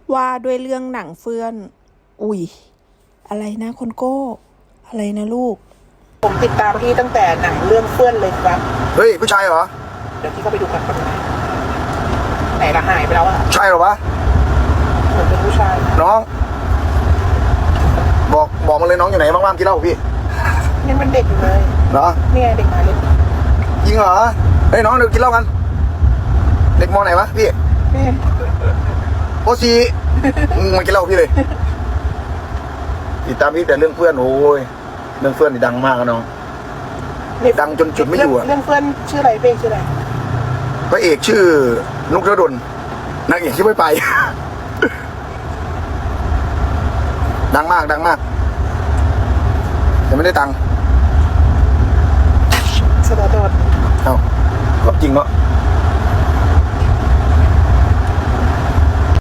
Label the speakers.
Speaker 1: ว่าด้วยเรื่องหนังเฟื่อนอุ๊ยอะไรนะคนโก้อะไรนะลูก
Speaker 2: ผมติดตามพี่ตั้งแต่หนังเรื่องเฟื่อนเลยครับ
Speaker 3: เฮ้ยผู้ชายเหรอ
Speaker 2: เดี๋ยวพี่เข้าไปดูกันคนไหนละหายไปแล้วอะ
Speaker 3: ใช่เหรอวะ
Speaker 2: เหมือนเป็นผู้ชาย
Speaker 3: น้องบอกมาเลยน้องอยู่ไหนบ้างๆกินเหล้าพี่
Speaker 2: นี่มันเด็กอยู่เลย
Speaker 3: เหรอ
Speaker 2: เนี่ยเด็กมาเลย
Speaker 3: จริงเหรอเฮ้ยน้องเดี๋ยวกินเหล้ากันเด็กมอไหนวะพี่โอซีมากินเหล้าพี่เลยติดตามพี่แต่เรื่องเพื่อนโอ้ยเรื่องเพื่อนนี่ดังมากนะน้องดังจนจุดไม่อยู่อะ
Speaker 2: เรื่องเพื่อนชื่ออะไรเพลงชื่ออะไร
Speaker 3: พระเอกชื่อนุกธนดลนางเอกชื่อไปดังมากแต่ไม่ได้ตังค์
Speaker 2: สตาร์โดด
Speaker 3: เอ้าก็จริงเนาะ